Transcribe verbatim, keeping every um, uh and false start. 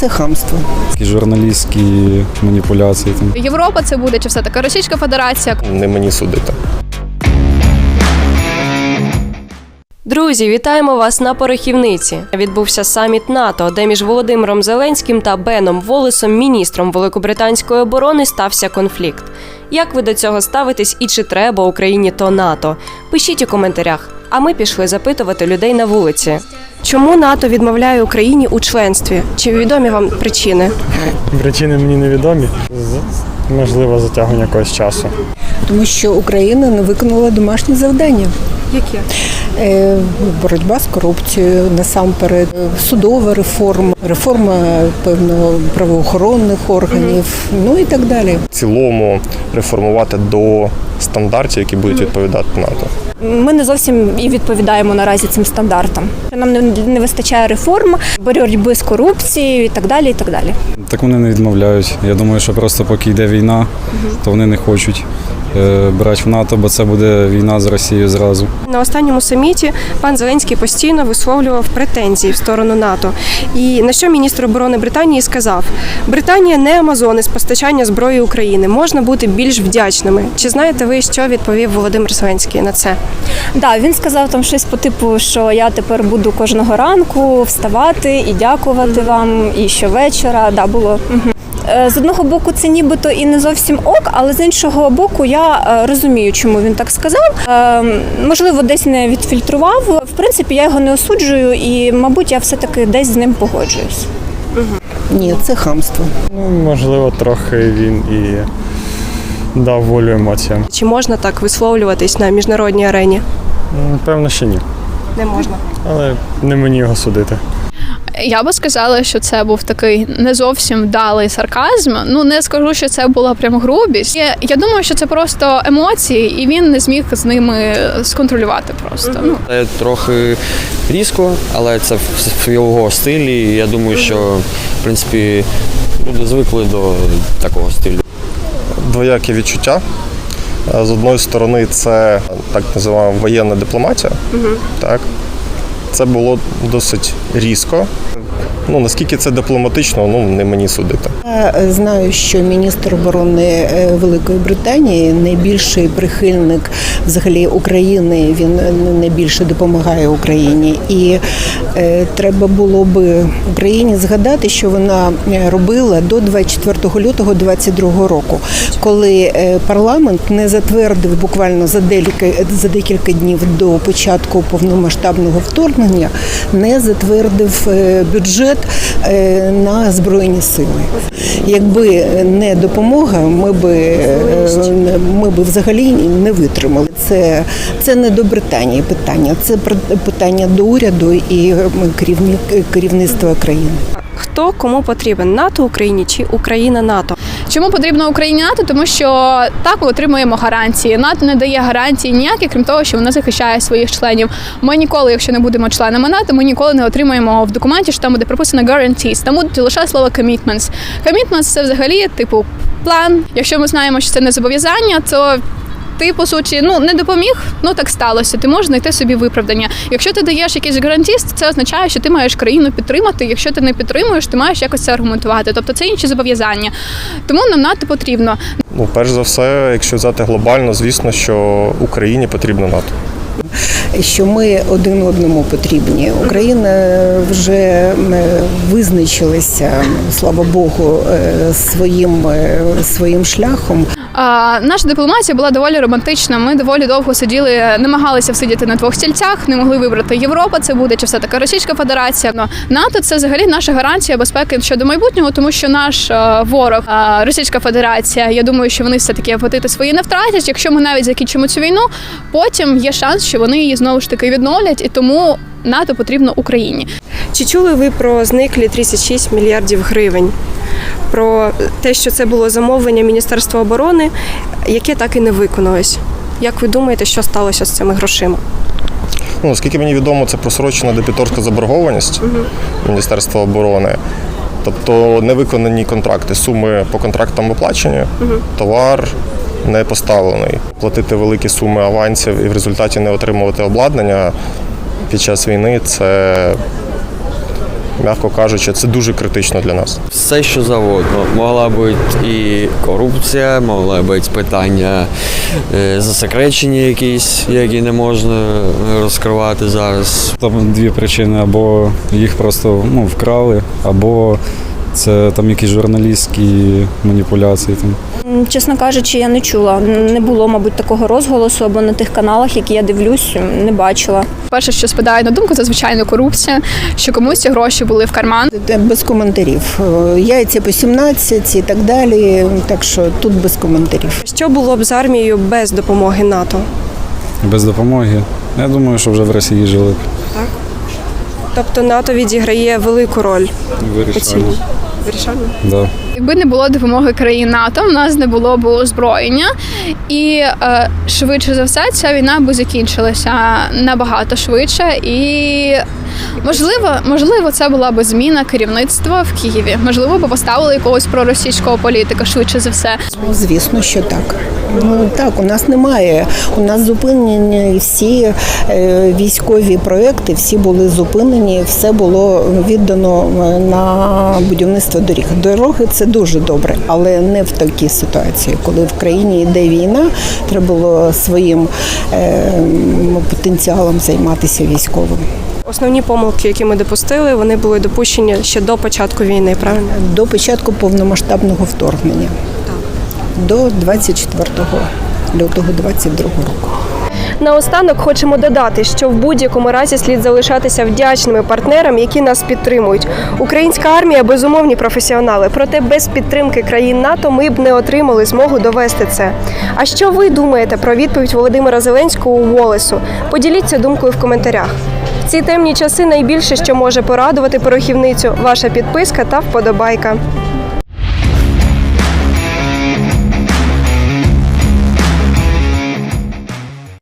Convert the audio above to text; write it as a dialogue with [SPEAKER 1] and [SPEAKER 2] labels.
[SPEAKER 1] це хамство.
[SPEAKER 2] Такі журналістські маніпуляції. Там.
[SPEAKER 3] Європа це буде чи все-таки Російська Федерація?
[SPEAKER 4] Не мені судити.
[SPEAKER 5] Друзі, вітаємо вас на Порохівниці. Відбувся саміт НАТО, де між Володимиром Зеленським та Беном Воллесом, міністром Великобританської оборони, стався конфлікт. Як ви до цього ставитесь і чи треба Україні то НАТО? Пишіть у коментарях. А ми пішли запитувати людей на вулиці. Чому НАТО відмовляє Україні у членстві? Чи відомі вам причини?
[SPEAKER 6] Причини мені невідомі. Можливо, затягування якогось часу.
[SPEAKER 1] Тому що Україна не виконала домашні завдання.
[SPEAKER 5] Які?
[SPEAKER 1] Е, боротьба з корупцією, насамперед, судова реформа, реформа, певно, правоохоронних органів, ну і так далі.
[SPEAKER 4] В цілому реформувати до стандартів, які будуть відповідати НАТО.
[SPEAKER 7] Ми не зовсім і відповідаємо наразі цим стандартам. Нам не, не вистачає реформ, боротьби з корупцією і так далі, і так далі.
[SPEAKER 2] Так вони не відмовляють. Я думаю, що просто поки йде війна, то вони не хочуть е, брати в НАТО, бо це буде війна з Росією зразу.
[SPEAKER 5] На останньому саміті пан Зеленський постійно висловлював претензії в сторону НАТО. І на що міністр оборони Британії сказав: Британія не Амазони з постачання зброї України. Можна бути більш вдячними. Чи знаєте ви, що відповів Володимир Зеленський на це?
[SPEAKER 7] Да, він сказав там щось по типу, що я тепер буду кожного ранку вставати і дякувати вам, і щовечора. Да, було. Угу. З одного боку, це нібито і не зовсім ок, але з іншого боку, я розумію, чому він так сказав. Можливо, десь не відфільтрував. В принципі, я його не осуджую і, мабуть, я все-таки десь з ним погоджуюсь.
[SPEAKER 1] Ні, це хамство.
[SPEAKER 6] Ну, можливо, трохи він і дав волю емоціям.
[SPEAKER 5] Чи можна так висловлюватись на міжнародній арені?
[SPEAKER 6] Певно, що ні.
[SPEAKER 5] Не можна.
[SPEAKER 6] Але не мені його судити.
[SPEAKER 3] Я би сказала, що це був такий не зовсім вдалий сарказм. Ну, не скажу, що це була прям грубість. Я, я думаю, що це просто емоції, і він не зміг з ними сконтролювати просто. Mm-hmm. Ну.
[SPEAKER 8] Це трохи різко, але це в його стилі. Я думаю, що, в принципі, люди звикли до такого стилю.
[SPEAKER 4] Двоякі відчуття. З одної сторони, це так називаємо воєнна дипломатія. Mm-hmm. Так. Це було досить різко. Ну, наскільки це дипломатично, ну, не мені судити.
[SPEAKER 1] Я знаю, що міністр оборони Великої Британії найбільший прихильник взагалі України, він найбільше допомагає Україні. І е, треба було би Україні згадати, що вона робила до двадцять четвертого лютого двадцять другого року, коли парламент не затвердив буквально за декілька, за декілька днів до початку повномасштабного вторгнення, не затвердив бюджет на Збройні сили. Якби не допомога, ми би, ми би взагалі не витримали. Це, це не до Британії питання, це питання до уряду і керівництва країни.
[SPEAKER 5] Хто кому потрібен? НАТО Україні чи Україна НАТО?
[SPEAKER 3] Чому потрібно Україні НАТО? Тому що так ми отримуємо гарантії. НАТО не дає гарантії ніякі, крім того, що вона захищає своїх членів. Ми ніколи, якщо не будемо членами НАТО, ми ніколи не отримаємо в документі, що там буде прописано guarantees. Там буде лише слово commitments. Commitments – це взагалі, типу, план. Якщо ми знаємо, що це не зобов'язання, то ти, по суті, ну, не допоміг, ну так сталося, ти можеш знайти собі виправдання. Якщо ти даєш якийсь гарантіст, це означає, що ти маєш країну підтримати, якщо ти не підтримуєш, ти маєш якось це аргументувати. Тобто це інші зобов'язання. Тому нам НАТО потрібно.
[SPEAKER 4] Ну, перш за все, якщо взяти глобально, звісно, що Україні потрібно НАТО.
[SPEAKER 1] Що ми один одному потрібні. Україна вже визначилася, слава Богу, своїм, своїм шляхом.
[SPEAKER 3] А, наша дипломатія була доволі романтична. Ми доволі довго сиділи, намагалися всидіти на двох стільцях, не могли вибрати Європа, це буде чи все-таки Російська Федерація. Но НАТО – це взагалі наша гарантія безпеки щодо майбутнього, тому що наш а, ворог, а, Російська Федерація, я думаю, що вони все-таки апетити свої не втратять. Якщо ми навіть закінчимо цю війну, потім є шанс, що вони її знову ж таки відновлять, і тому НАТО потрібно Україні.
[SPEAKER 5] Чи чули ви про зниклі тридцять шість мільярдів гривень? Про те, що це було замовлення Міністерства оборони, яке так і не виконалось. Як ви думаєте, що сталося з цими грошима?
[SPEAKER 4] Ну, наскільки мені відомо, це просрочена дебіторська заборгованість угу. Міністерства оборони. Тобто невиконані контракти, суми по контрактам оплачені, угу. товар не поставлений. Платити великі суми авансів і в результаті не отримувати обладнання під час війни – це м'яко кажучи, це дуже критично для нас.
[SPEAKER 8] Все, що завгодно. Могла бути і корупція, могла бути питання е, засекречені якісь, які не можна розкривати зараз.
[SPEAKER 2] Там дві причини: або їх просто ну, вкрали, або це там якісь журналістські маніпуляції. Там.
[SPEAKER 7] М, Чесно кажучи, я не чула. Не було, мабуть, такого розголосу або на тих каналах, які я дивлюсь, не бачила.
[SPEAKER 3] Перше, що спадає на думку, це звичайно корупція, що комусь ці гроші були в карман.
[SPEAKER 1] Без коментарів. Е, Яйця по сімнадцять і так далі. Так що тут без коментарів.
[SPEAKER 9] Що було б з армією без допомоги НАТО?
[SPEAKER 2] Без допомоги. Я думаю, що вже в Росії жили б.
[SPEAKER 9] Тобто НАТО відіграє велику роль у цій
[SPEAKER 2] Вирішально.
[SPEAKER 9] вирішальній?
[SPEAKER 2] Да.
[SPEAKER 3] Якби не було допомоги країн НАТО, в нас не було б озброєння, і е, швидше за все ця війна би закінчилася набагато швидше. І можливо, можливо, це була б зміна керівництва в Києві. Можливо, б поставили якогось проросійського політика швидше за все.
[SPEAKER 1] Звісно, що так. Ну так, у нас немає. У нас зупинені всі е, військові проекти, всі були зупинені, все було віддано на будівництво доріг. Дороги це дуже добре, але не в такій ситуації, коли в країні йде війна, треба було своїм е, потенціалом займатися військовим.
[SPEAKER 9] Основні помилки, які ми допустили, вони були допущені ще до початку війни, правильно?
[SPEAKER 1] До початку повномасштабного вторгнення. До двадцять четвертого лютого двадцять другого року.
[SPEAKER 9] Наостанок хочемо додати, що в будь-якому разі слід залишатися вдячними партнерам, які нас підтримують. Українська армія – безумовні професіонали, проте без підтримки країн НАТО ми б не отримали змогу довести це. А що ви думаєте про відповідь Володимира Зеленського Волесу? Поділіться думкою в коментарях. В ці темні часи найбільше, що може порадувати порохівницю – ваша підписка та вподобайка.